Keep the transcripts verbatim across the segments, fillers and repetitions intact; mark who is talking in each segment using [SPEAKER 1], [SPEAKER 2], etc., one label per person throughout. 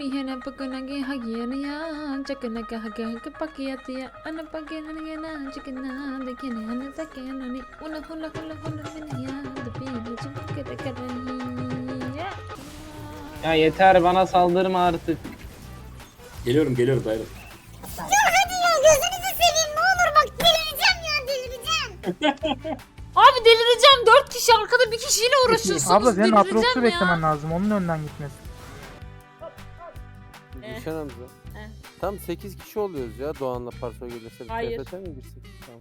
[SPEAKER 1] hena pakanagi hagiana ya chakana ka haga ka pakiyati ya ana pakena na chakana dekene ana takena ni una hula hula hula ya the people çıkıp kadar.
[SPEAKER 2] Ya yeter bana saldırma artık.
[SPEAKER 3] Geliyorum geliyorum dayanın.
[SPEAKER 4] Ya hadi ya gözünüzü seveyim ne olur bak delireceğim ya delireceğim.
[SPEAKER 1] Abi delireceğim. Dört kişi arkada bir kişiyle uğraşıyorsunuz.
[SPEAKER 5] Abla senin
[SPEAKER 1] delireceğim
[SPEAKER 5] Atrox'u
[SPEAKER 1] ya.
[SPEAKER 5] beklemen lazım. Onun önden gitmesi.
[SPEAKER 6] Gülşen amca.
[SPEAKER 1] Eh.
[SPEAKER 6] Tam sekiz kişi oluyoruz ya Doğan'la Parso gelirse.
[SPEAKER 1] Hayır.
[SPEAKER 6] T F T mi girsek? Tamam.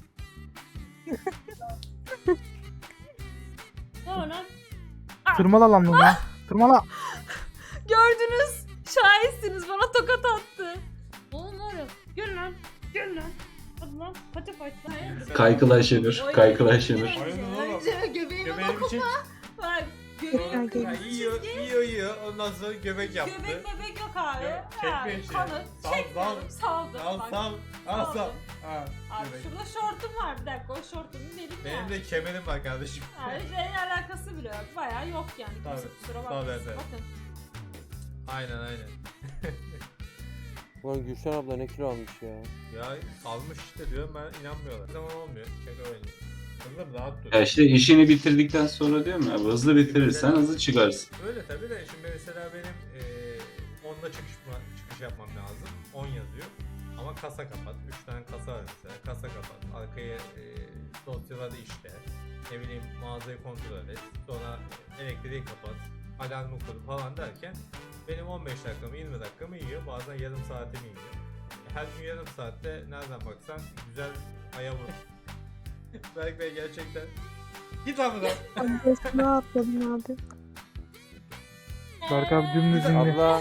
[SPEAKER 1] Ne o lan?
[SPEAKER 5] Tırmala lan Luna. Tırmala.
[SPEAKER 1] Gördünüz. Şahitsiniz. Bana tokat attı. Oğlum oğlum. Gel lan. Gel lan. Hadi lan. Pati pati.
[SPEAKER 3] Kaykılay Şenur. Kaykılay Şenur.
[SPEAKER 1] Önce göbeğime
[SPEAKER 7] Göbeğimi çek.
[SPEAKER 1] bak.
[SPEAKER 7] Sonra
[SPEAKER 1] Göbeğime
[SPEAKER 7] yiyor, yiyor, yiyor. Ondan sonra göbek yaptı.
[SPEAKER 1] Göbek bebek yok abi.
[SPEAKER 7] Yok,
[SPEAKER 1] Ha,
[SPEAKER 7] çekme işte.
[SPEAKER 1] kalın.
[SPEAKER 7] Sal,
[SPEAKER 1] Çekmiyorum. Saldım.
[SPEAKER 7] Al
[SPEAKER 1] Bak.
[SPEAKER 7] sal, al sal.
[SPEAKER 1] Saldım.
[SPEAKER 7] Ha,
[SPEAKER 1] Abi
[SPEAKER 7] göbek.
[SPEAKER 1] şurada şortum var. Bir dakika o şortumu dedim ya.
[SPEAKER 7] Benim de kemerim var kardeşim.
[SPEAKER 1] Yani şeyle alakası bile yok. Bayağı yok yani. Kimse
[SPEAKER 7] Tabii,
[SPEAKER 1] kusura
[SPEAKER 7] tabii,
[SPEAKER 1] bakmasın.
[SPEAKER 7] evet.
[SPEAKER 1] Bakın.
[SPEAKER 7] Aynen aynen.
[SPEAKER 6] Ulan Gülşen abla ne kilo almış ya.
[SPEAKER 7] Ya salmış işte diyorum ben inanmıyorlar. Bir zaman olmuyor. Şaka oynuyor. Kızım rahat dur.
[SPEAKER 3] Ya işte işini bitirdikten sonra diyorum ya hızlı bitirirsen hızlı çıkarsın.
[SPEAKER 7] Öyle tabii de şimdi mesela benim eee onda çıkış, çıkış yapmam lazım. on yazıyor. Ama kasa kapat. üç tane kasa var mesela. Kasa kapat. Arkaya eee dosyaları işte. Ne bileyim mağazayı kontrol et. Sonra elektriği kapat. Alarmı kur falan derken benim on beş dakikamı yirmi dakikamı yiyor. Bazen yarım saatimi yiyor. Her gün yarım saatte nereden baksan güzel aya vur. Berk Bey gerçekten. Git lan buradan.
[SPEAKER 8] Ne atladın abi?
[SPEAKER 5] Berk abi dümdüz indi.
[SPEAKER 6] Abla.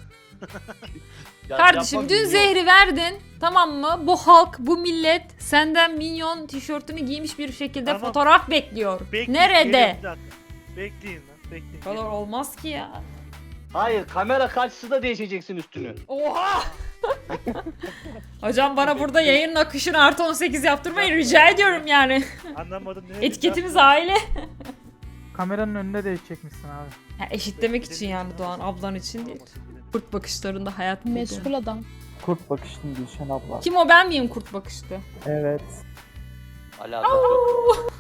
[SPEAKER 1] Kardeşim dün zehri verdin. Tamam mı? Bu halk, bu millet senden minyon tişörtünü giymiş bir şekilde
[SPEAKER 9] Tamam.
[SPEAKER 1] fotoğraf bekliyor.
[SPEAKER 9] Bekleyin,
[SPEAKER 1] Nerede?
[SPEAKER 9] gelin bir dakika. Bekleyin lan, bekleyin.
[SPEAKER 1] Bu kadar olmaz ki ya.
[SPEAKER 2] Hayır kamera karşısında değişeceksin üstünü.
[SPEAKER 1] Oha! Hocam bana burada yayının akışını artı on sekiz yaptırmayın rica ediyorum yani.
[SPEAKER 9] Anlamadım ne?
[SPEAKER 1] Etiketimiz aile.
[SPEAKER 5] Kameranın önünde değişecekmişsin abi.
[SPEAKER 1] Ya eşitlemek için yani Doğan ablan için değil. Kurt bakışlarında hayat buldu.
[SPEAKER 8] Meşgul adam.
[SPEAKER 5] Kurt bakıştın Gülşen abla.
[SPEAKER 1] Kim o ben miyim kurt bakışlı?
[SPEAKER 5] Evet.
[SPEAKER 2] Alakası yok.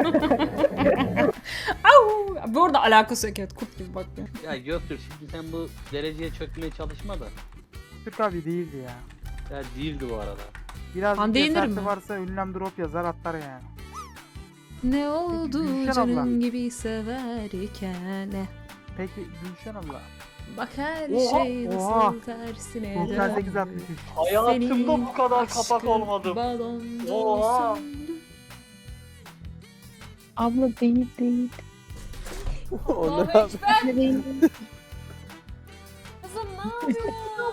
[SPEAKER 1] Au! Bu arada alakası yok evet kurt gibi bakıyor.
[SPEAKER 2] Ya Göktürk şimdi sen bu dereceye çökmeye çalışma da.
[SPEAKER 5] Türk abi değildi ya.
[SPEAKER 2] Ya değildi bu arada.
[SPEAKER 5] Biraz
[SPEAKER 1] Hande
[SPEAKER 5] bir
[SPEAKER 1] Yener
[SPEAKER 5] cesareti
[SPEAKER 1] mi?
[SPEAKER 5] varsa ünlem drop yazar atlar yani.
[SPEAKER 1] Ne oldu
[SPEAKER 5] Gülşen
[SPEAKER 1] canım
[SPEAKER 5] abla.
[SPEAKER 1] gibi severken.
[SPEAKER 5] Peki Gülşen abla.
[SPEAKER 1] Bak her
[SPEAKER 5] Oha,
[SPEAKER 1] şey
[SPEAKER 5] oha.
[SPEAKER 1] nasıl tersine
[SPEAKER 5] doksan sekiz
[SPEAKER 1] döndü.
[SPEAKER 5] altmış üç.
[SPEAKER 2] Hayatımda bu kadar kapak
[SPEAKER 1] aşkın
[SPEAKER 2] olmadım.
[SPEAKER 1] balonda
[SPEAKER 2] Oha.
[SPEAKER 1] söndü.
[SPEAKER 8] Abla değil değil.
[SPEAKER 6] O ne
[SPEAKER 1] Allahu
[SPEAKER 6] abi?
[SPEAKER 1] Ekber.
[SPEAKER 8] Değil.
[SPEAKER 1] Kızım ne yapıyorsun?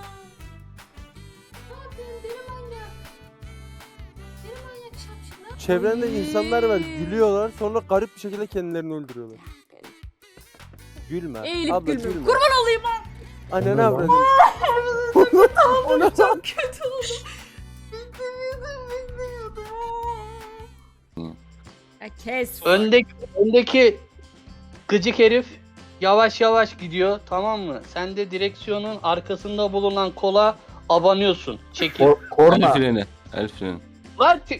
[SPEAKER 1] Ne yapıyorsun deli manyak? Deli manyak şapşik ne yapıyorsun?
[SPEAKER 6] Çevrende insanlar var gülüyorlar sonra garip bir şekilde kendilerini öldürüyorlar. Gülme.
[SPEAKER 1] Eğilip
[SPEAKER 6] abla
[SPEAKER 1] gülme.
[SPEAKER 6] gülme.
[SPEAKER 1] Kurban olayım ha.
[SPEAKER 6] Anne ne yapıyorsun?
[SPEAKER 1] Çok kötü oldu. Beklemiyordum, beklemiyordum. Ya kes.
[SPEAKER 2] Öndeki, öndeki gıcık herif yavaş yavaş gidiyor tamam mı? Sen de direksiyonun arkasında bulunan kola abanıyorsun. Çekil.
[SPEAKER 3] El
[SPEAKER 5] Korna.
[SPEAKER 3] freni. El freni.
[SPEAKER 2] Lan, çek-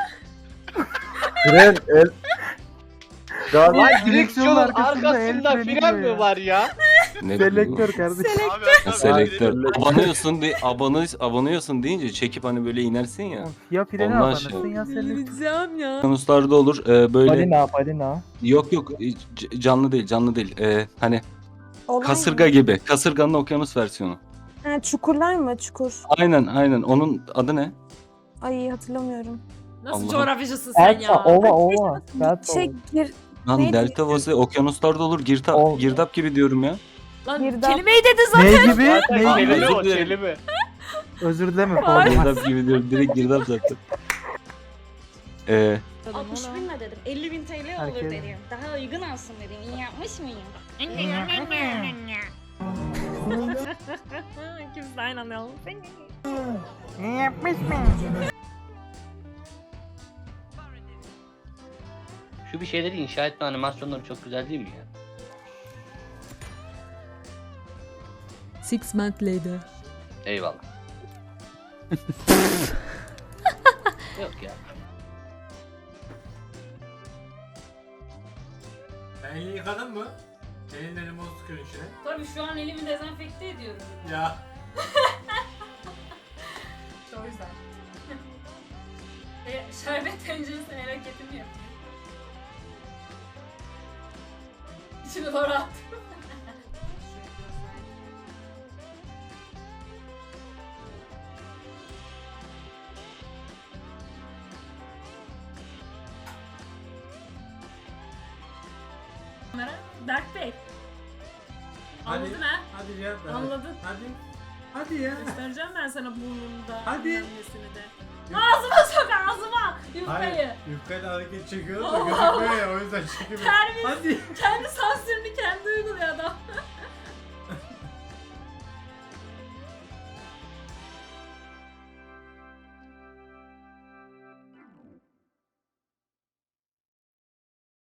[SPEAKER 5] Fren el.
[SPEAKER 2] lan direksiyonun arkasında fren mi var ya?
[SPEAKER 3] Ne
[SPEAKER 5] Selektör kardeşim.
[SPEAKER 3] Ha, Selektör. Abanıyorsun de, abanı, abanıyorsun deyince çekip hani böyle inersin ya.
[SPEAKER 5] Ya freni
[SPEAKER 3] Ondan
[SPEAKER 5] abanırsın
[SPEAKER 3] şey.
[SPEAKER 5] ya selektör.
[SPEAKER 1] Delireceğim ya.
[SPEAKER 3] Konuslarda olur e, böyle.
[SPEAKER 5] Balina balina.
[SPEAKER 3] Yok yok e, c- canlı değil canlı değil. E, hani kasırga gibi. Kasırganın okyanus versiyonu.
[SPEAKER 8] Ha, çukurlar mı? Çukur.
[SPEAKER 3] Aynen aynen. Onun adı ne?
[SPEAKER 8] Ay hatırlamıyorum.
[SPEAKER 1] Nasıl
[SPEAKER 3] Allah'ım.
[SPEAKER 1] coğrafyacısın sen ya?
[SPEAKER 5] ova ova. Delta
[SPEAKER 8] Şey gir.
[SPEAKER 3] Lan
[SPEAKER 8] Neydi?
[SPEAKER 3] delta vazı okyanuslarda olur. Girta,
[SPEAKER 5] O-
[SPEAKER 3] girdap gibi diyorum ya.
[SPEAKER 1] Lan
[SPEAKER 8] Girdap.
[SPEAKER 1] kelimeyi dedin zaten.
[SPEAKER 5] Ne gibi?
[SPEAKER 2] Zaten
[SPEAKER 5] Ne gibi?
[SPEAKER 2] kelime o
[SPEAKER 3] Özür dilerim.
[SPEAKER 2] kelime.
[SPEAKER 5] Özür dileme.
[SPEAKER 1] Ay.
[SPEAKER 5] pardon.
[SPEAKER 3] Girdap gibi diyorum. Direkt girdap zaten. Ee,
[SPEAKER 10] altmış bin mi dedim? elli bin T L olur
[SPEAKER 5] Herkes-
[SPEAKER 10] dedim. Daha uygun olsun dedim. İyi yapmış mıyım?
[SPEAKER 1] Kimse aynı anlayalım.
[SPEAKER 5] Ne yapmış mı?
[SPEAKER 2] Şu bir şeyleri inşa etme animasyonları çok güzel değil mi ya?
[SPEAKER 1] Six months later.
[SPEAKER 2] Eyvallah. Yok ya.
[SPEAKER 7] Sen elini yıkadın mı? Elin elimi o sıkıyorsun içine.
[SPEAKER 10] Tabii şu an elimi dezenfekte ediyorum.
[SPEAKER 7] Ya.
[SPEAKER 10] O yüzden. e, şerbet tenceresine hareketimi yapıyor. İçine doğru attım. Dark Bey.
[SPEAKER 7] Hadi.
[SPEAKER 10] Anladın ha?
[SPEAKER 7] Hadi cevap ver.
[SPEAKER 10] Anladın.
[SPEAKER 7] Hadi. Hadi ya.
[SPEAKER 10] Göstereceğim ben sana burnumda.
[SPEAKER 7] Hadi.
[SPEAKER 10] Annesini de. Ağzıma sok ağzıma. Yufkayı.
[SPEAKER 7] Hayır. Yufkayla hareket çekiyoruz da gözükmüyor ya o yüzden çekemiyorum.
[SPEAKER 10] Terbiyesiz.
[SPEAKER 7] Hadi.
[SPEAKER 10] Kendi sansürünü kendi uyguluyor adam.